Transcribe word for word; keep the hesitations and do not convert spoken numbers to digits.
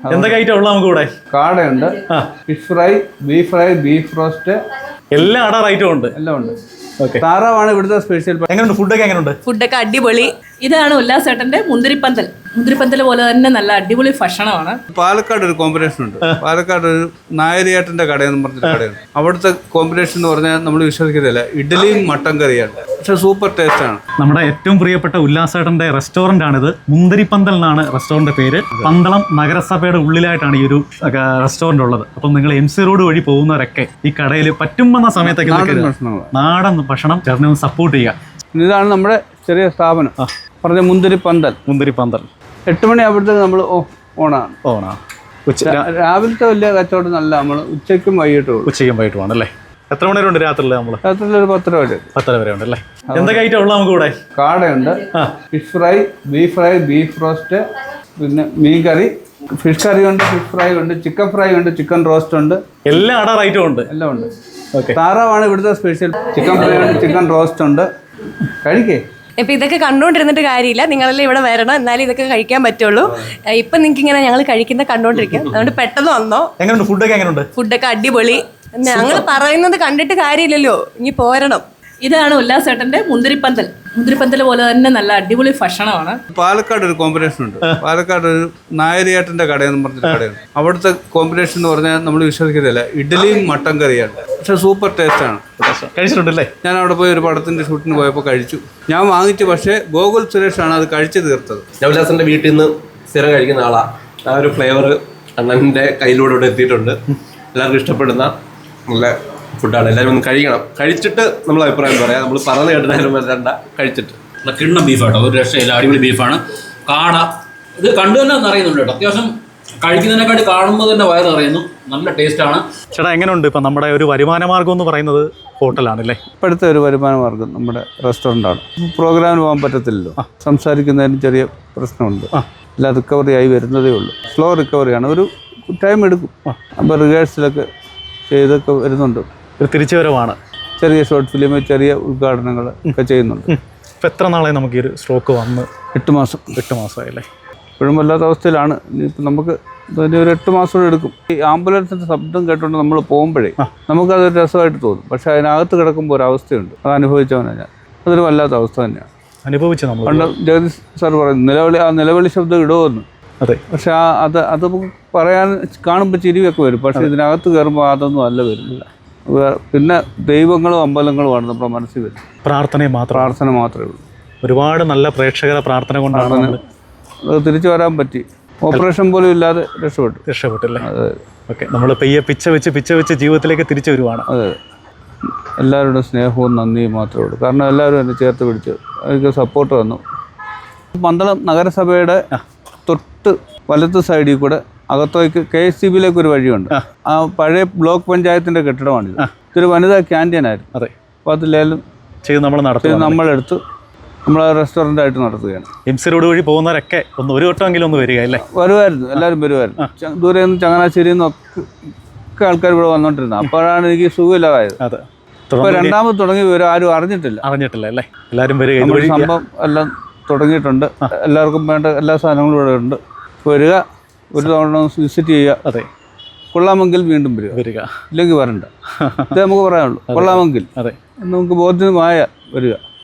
എന്തൊക്കെ ഐറ്റം ഉള്ള നമുക്ക് ഇവിടെ? കാടയുണ്ട്, fish fry, beef fry, beef roast, എല്ലാ അടാർ ഐറ്റം ഉണ്ട്. എല്ലാം ഉണ്ട്. താറാവാണ് ഇവിടുത്തെ സ്പെഷ്യൽ. എങ്ങനെയുണ്ട് ഫുഡൊക്കെ? എങ്ങനെയുണ്ട് ഫുഡൊക്കെ? അടിപൊളി. ഇതാണ് ഉല്ലാസേട്ടന്റെ മുന്തിരിപ്പന്തൽ. മുന്തിരിപ്പന്തൽ പോലെ തന്നെ നല്ല അടിപൊളി ഭക്ഷണമാണ്. പാലക്കാട് ഒരു കോമ്പിനേഷൻ ഉണ്ട്. പാലക്കാട് ഒരു നായരിയാട്ടിന്റെ കടയെന്ന് പറഞ്ഞൊരു കടയാണ്. അവിടുത്തെ കോമ്പിനേഷൻ എന്ന് പറഞ്ഞാൽ നമ്മൾ വിശ്വസിക്കത്തില്ല. ഇഡ്ഡലിയും മട്ടൻ കറിയാണ്, പക്ഷെ സൂപ്പർ ടേസ്റ്റ് ആണ്. നമ്മുടെ ഏറ്റവും പ്രിയപ്പെട്ട ഉല്ലാസേട്ടന്റെ റെസ്റ്റോറന്റ് ആണിത്. മുന്തിരിപ്പന്തൽ എന്നാണ് റെസ്റ്റോറന്റ് പേര്. പന്തളം നഗരസഭയുടെ ഉള്ളിലായിട്ടാണ് ഈ ഒരു റെസ്റ്റോറന്റ് ഉള്ളത്. അപ്പം നിങ്ങൾ എം സി റോഡ് വഴി പോകുന്നവരൊക്കെ ഈ കടയിൽ പറ്റുമെന്ന സമയത്തൊക്കെ നാടൻ ഭക്ഷണം ചേർന്ന് സപ്പോർട്ട് ചെയ്യുക. ഇതാണ് നമ്മുടെ ചെറിയ സ്ഥാപനം പറഞ്ഞ മുന്തിരിപ്പന്തൽ. മുന്തിരിപ്പന്തൽ എട്ട് മണി ആകുമ്പോഴത്തേക്ക് നമ്മൾ ഓണാണ്. ഓണാ ഉച്ച രാവിലത്തെ വലിയ കച്ചവടം നല്ല. നമ്മൾ ഉച്ചയ്ക്കും വൈകിട്ടും ഉച്ചയ്ക്കും വൈകിട്ടും ആണല്ലേ? എത്ര മണി വരെ ഉണ്ട് രാത്രിയിൽ? നമ്മൾ രാത്രിയിൽ ഒരു പത്തര വരെ. പത്തര വരെ ഉണ്ടല്ലേ? എന്തൊക്കെ ഐറ്റം ഉള്ള നമുക്ക് ഇവിടെ? കാടയുണ്ട്, fish fry, beef fry, beef roast, പിന്നെ മീൻ കറി, ഫിഷ് കറി ഉണ്ട്, ഫിഷ് ഫ്രൈ ഉണ്ട്, ചിക്കൻ ഫ്രൈ ഉണ്ട്, ചിക്കൻ റോസ്റ്റ് ഉണ്ട്, എല്ലാ അടാർ ഐറ്റം ഉണ്ട്. എല്ലാം ഉണ്ട്. താറാവാണ് ഇവിടുത്തെ സ്പെഷ്യൽ. ചിക്കൻ ഫ്രൈ ഉണ്ട്, ചിക്കൻ റോസ്റ്റ് ഉണ്ട്. കഴിക്കേ. ഇപ്പം ഇതൊക്കെ കണ്ടുകൊണ്ടിരുന്നിട്ട് കാര്യമില്ല, നിങ്ങളെല്ലാം ഇവിടെ വരണം, എന്നാലും ഇതൊക്കെ കഴിക്കാൻ പറ്റുള്ളൂ. ഇപ്പം നിങ്ങൾക്ക് ഇങ്ങനെ ഞങ്ങൾ കഴിക്കുന്ന കണ്ടുകൊണ്ടിരിക്കാം, അതുകൊണ്ട് പെട്ടെന്ന് വന്നോ. എങ്ങനെയുണ്ട് ഫുഡൊക്കെ? എങ്ങനെയുണ്ട്? ഫുഡൊക്കെ അടിപൊളി. ഞങ്ങൾ പറയുന്നത് കണ്ടിട്ട് കാര്യമില്ലല്ലോ, ഇനി പോരണം. ഇതാണ് ഉല്ലാസേട്ടന്റെ മുന്തിരിപ്പന്തൽ. മുന്തിരിപ്പന്തൽ പോലെ തന്നെ നല്ല അടിപൊളി ഭക്ഷണമാണ്. പാലക്കാട് ഒരു കോമ്പിനേഷൻ ഉണ്ട്. പാലക്കാട് ഒരു നായരിയാട്ടിന്റെ കടയെന്ന് പറഞ്ഞൊരു കടയാണ്. അവിടുത്തെ കോമ്പിനേഷൻ എന്ന് പറഞ്ഞാൽ നമ്മൾ വിശ്വസിക്കത്തില്ല. ഇഡ്ഡലിയും മട്ടൻ കറിയാണ്, പക്ഷെ സൂപ്പർ ടേസ്റ്റ് ആണ്. കഴിച്ചിട്ടുണ്ടല്ലേ? ഞാൻ അവിടെ പോയി ഒരു പടത്തിന്റെ ഷൂട്ടിന് പോയപ്പോൾ കഴിച്ചു. ഞാൻ വാങ്ങിച്ചു, പക്ഷേ ഗോകുൽ സുരേഷാണ് അത് കഴിച്ചു തീർത്തത്. ഉല്ലാസന്റെ വീട്ടിൽ നിന്ന് സ്ഥിരം കഴിക്കുന്ന ആളാ. ആ ഒരു ഫ്ലേവർ അണ്ണന്റെ കയ്യിലൂടെ ഇവിടെ എത്തിയിട്ടുണ്ട്. എല്ലാവർക്കും ഇഷ്ടപ്പെടുന്ന നല്ല ഫുഡാണ്. എല്ലാവരും ഒന്ന് കഴിക്കണം. കഴിച്ചിട്ട് നമ്മൾ അഭിപ്രായം പറയാം. നമ്മൾ പറഞ്ഞു കേട്ടാലും വരണ്ട, കഴിച്ചിട്ട്. കിണ്ണം ബീഫാട്ടോ, ഒരു രക്ഷയില്ല, അടിപൊളി ബീഫാണ്. കാട ഇത് കണ്ടു തന്നെ നിറയുന്നുണ്ട് കേട്ടോ. അത്യാവശ്യം കഴിക്കുന്നതിനെക്കാട്ടി കാണുമ്പോൾ തന്നെ വയറ് നിറയുന്നു. നല്ല ടേസ്റ്റാണ്. ചേട്ടാ എങ്ങനെയുണ്ട്? ഇപ്പം നമ്മുടെ ഒരു വരുമാന മാർഗം എന്ന് പറയുന്നത് ഹോട്ടലാണല്ലേ? ഇപ്പോഴത്തെ ഒരു വരുമാന മാർഗം നമ്മുടെ റെസ്റ്റോറൻ്റാണ്. പ്രോഗ്രാമിന് പോകാൻ പറ്റത്തില്ലല്ലോ, സംസാരിക്കുന്നതിന് ചെറിയ പ്രശ്നമുണ്ട്. എല്ലാം റിക്കവറി ആയി വരുന്നതേ ഉള്ളൂ. സ്ലോ റിക്കവറിയാണ്, ഒരു ടൈം എടുക്കും. അപ്പോൾ റിഹേഴ്സലൊക്കെ ചെയ്തൊക്കെ വരുന്നുണ്ട്. ഒരു തിരിച്ചുവരവാണ്. ചെറിയ ഷോർട്ട് ഫിലിം, ചെറിയ ഉദ്ഘാടനങ്ങൾ ഒക്കെ ചെയ്യുന്നുണ്ട്. ഇപ്പം എത്ര നാളെ നമുക്ക് ഈ ഒരു സ്ട്രോക്ക് വന്ന്? എട്ട് മാസം. എട്ട് മാസമായല്ലേ? ഇപ്പോഴും വല്ലാത്ത അവസ്ഥയിലാണ്. ഇനിയിപ്പോൾ നമുക്ക് ഒരു എട്ട് മാസം കൂടെ എടുക്കും. ഈ ആംബുലൻസിൻ്റെ ശബ്ദം കേട്ടുകൊണ്ട് നമ്മൾ പോകുമ്പോഴേ നമുക്കതൊരു രസമായിട്ട് തോന്നും. പക്ഷേ അതിനകത്ത് കിടക്കുമ്പോൾ ഒരു അവസ്ഥയുണ്ട്. അത് അനുഭവിച്ചവനാണ് ഞാൻ. അതൊരു വല്ലാത്ത അവസ്ഥ തന്നെയാണ് അനുഭവിച്ചത്. നമ്മൾ പണ്ട് ജഗദീഷ് സാർ പറയുന്നു, നിലവിളി ആ നിലവിളി ശബ്ദം ഇടുമെന്ന്. അതെ. പക്ഷെ ആ അത് അത് പറയാൻ കാണുമ്പോൾ ചിരിയൊക്കെ വരും. പക്ഷേ ഇതിനകത്ത് കയറുമ്പോൾ അതൊന്നും അല്ല വരുന്നില്ല. പിന്നെ ദൈവങ്ങളും അമ്പലങ്ങളുമാണ് നമ്മുടെ മനസ്സിൽ വരുന്നത്. പ്രാർത്ഥന മാത്രം പ്രാർത്ഥന മാത്രമേ ഉള്ളൂ. ഒരുപാട് നല്ല പ്രേക്ഷകരുടെ പ്രാർത്ഥന കൊണ്ടാണ് അത് തിരിച്ചു വരാൻ പറ്റി. ഓപ്പറേഷൻ പോലും ഇല്ലാതെ രക്ഷപ്പെട്ടു. രക്ഷപ്പെട്ടല്ലേ? അതെ. ഓക്കെ, നമ്മൾ പെയ്യെ പിച്ച വെച്ച് പിച്ച വെച്ച് ജീവിതത്തിലേക്ക് തിരിച്ചു വരുവാണ്. അതെ. എല്ലാവരുടെ സ്നേഹവും നന്ദിയും മാത്രമേ ഉള്ളൂ. കാരണം എല്ലാവരും എന്നെ ചേർത്ത് പിടിച്ച് എനിക്ക് സപ്പോർട്ട് തന്നു. പന്തളം നഗരസഭയുടെ തൊട്ട് വലത്ത് സൈഡിൽ കൂടെ അകത്തേക്ക് കെ എസ് സി ബിയിലേക്ക് ഒരു വഴിയുണ്ട്. ആ പഴയ ബ്ലോക്ക് പഞ്ചായത്തിൻ്റെ കെട്ടിടമാണിത്. ഇതൊരു വനിതാ ക്യാൻറ്റീനായിരുന്നു. അതെ. അപ്പോൾ അത് ലേലം ചെയ്ത് നമ്മൾ നടത്തി നമ്മളെടുത്ത് നമ്മൾ റെസ്റ്റോറൻ്റ് ആയിട്ട് നടത്തുകയാണ്. എം സി റോഡ് വഴി പോകുന്നവരൊക്കെ ഒന്ന് ഒരു വട്ടമെങ്കിലും ഒന്ന് വരിക അല്ലേ? വരുമായിരുന്നു, എല്ലാവരും വരുമായിരുന്നു. ദൂരെ നിന്ന് ചങ്ങനാശ്ശേരിയിൽ നിന്നൊക്കെ ആൾക്കാർ ഇവിടെ വന്നുകൊണ്ടിരുന്നത്. അപ്പോഴാണ് എനിക്ക് സുഖമില്ലാതായത്. അതെ. ഇപ്പോൾ രണ്ടാമത് തുടങ്ങി വരും, ആരും അറിഞ്ഞിട്ടില്ല. അറിഞ്ഞിട്ടില്ല അല്ലേ? എല്ലാവരും വരിക. സംഭവം എല്ലാം തുടങ്ങിയിട്ടുണ്ട്. എല്ലാവർക്കും വേണ്ട എല്ലാ സാധനങ്ങളും ഇവിടെ ഉണ്ട്. വരിക, ഒരു തവണ വിസിറ്റ് ചെയ്യുക. അതെ. കൊള്ളാമെങ്കിൽ വീണ്ടും വരിക, വരിക ഇല്ലെങ്കിൽ വരണ്ട. ഇത് നമുക്ക് പറയാനുള്ളൂ. കൊള്ളാമെങ്കിൽ അതെ നമുക്ക് ബോധ്യമായ വരിക.